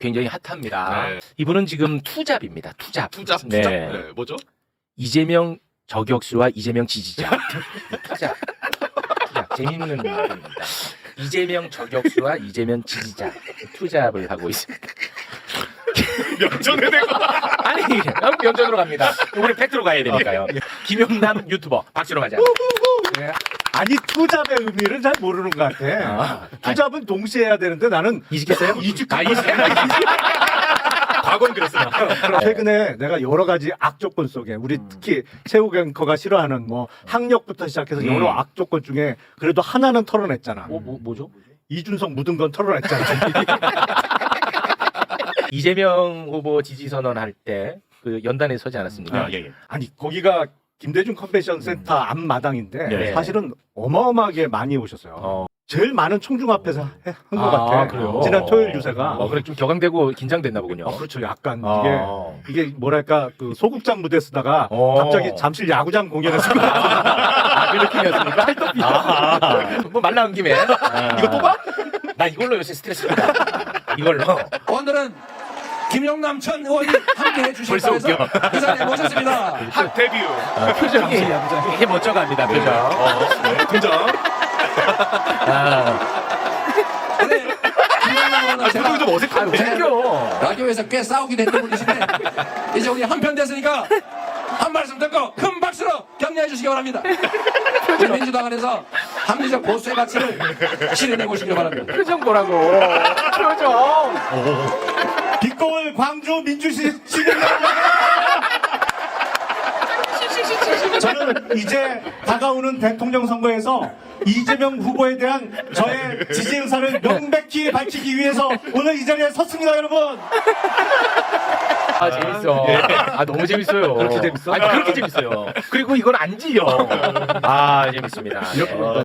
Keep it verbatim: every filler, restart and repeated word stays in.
굉장히 핫합니다. 네. 이분은 지금 투잡입니다. 투잡. 투잡, 네. 투잡. 네. 뭐죠? 이재명 저격수와 이재명 지지자. 투잡. 투잡. 재밌는 말입니다. 이재명 저격수와 이재명 지지자. 투잡을 하고 있습니다. 면전에 대고. 아니, 면전으로 갑니다. 우리 팩트로 가야 되니까요. 김용남 유튜버 박수로 가자. 네. 아니 투잡의 의미를 잘 모르는 것 같아. 아, 투잡은 동시에 해야 되는데 나는 이직했어요? 이직. 아, 이직. 과거는 그랬으나. 최근에 내가 여러 가지 악조건 속에 우리 특히 최욱 앵커가 싫어하는 뭐 학력부터 시작해서 음. 여러 악조건 중에 그래도 하나는 털어냈잖아. 뭐, 뭐, 뭐죠? 이준석 묻은 건 털어냈잖아. 이재명 후보 지지 선언할 때 그 연단에 서지 않았습니까? 아, 예, 예. 아니 거기가 김대중 컨벤션 센터 앞마당인데 네. 사실은 어마어마하게 많이 오셨어요. 어. 제일 많은 총중 앞에서 한 것 아, 같아. 그래요? 지난 토요일 유세가. 어, 그래 좀 격앙되고 긴장됐나 보군요. 어, 그렇죠. 약간 어. 이게 이게 뭐랄까 그 소극장 무대 쓰다가 어. 갑자기 잠실 야구장 공연했을 것 같아. 아, 그 느낌이었습니까? 아, 뭐말 나온 김에 이거 또 봐? 나 이걸로 요새 스트레스 받아. 이걸로. 오늘은 김영남 전 의원이 함께해 주실 벌써 거해서 이 자리에 모셨습니다. 핫 데뷔. 어, 표정이 이게 멋져갑니다. 표정. 네, 등장. 아, 근데 김영남 의원은 아, 표정이 좀 어색한데. 웃겨. 라디오에서 꽤 싸우기도 했던 분이신데 이제 우리 한편 됐으니까 한 말씀 듣고 큰 박수로 격려해 주시기 바랍니다. 우리 민주당 안에서 합리적 보수의 가치를 실현해 보시기 바랍니다. 표정 보라고. 표정. 빛거울 광주 민주시 시민 저는 이제 다가오는 대통령 선거에서 이재명 후보에 대한 저의 지지 의사를 명백히 밝히기 위해서 오늘 이 자리에 섰습니다, 여러분. 아, 재밌어. 아, 너무 재밌어요. 그렇게 재밌어? 아니, 그렇게 재밌어요. 그리고 이건 안 지요. 아, 재밌습니다. 예.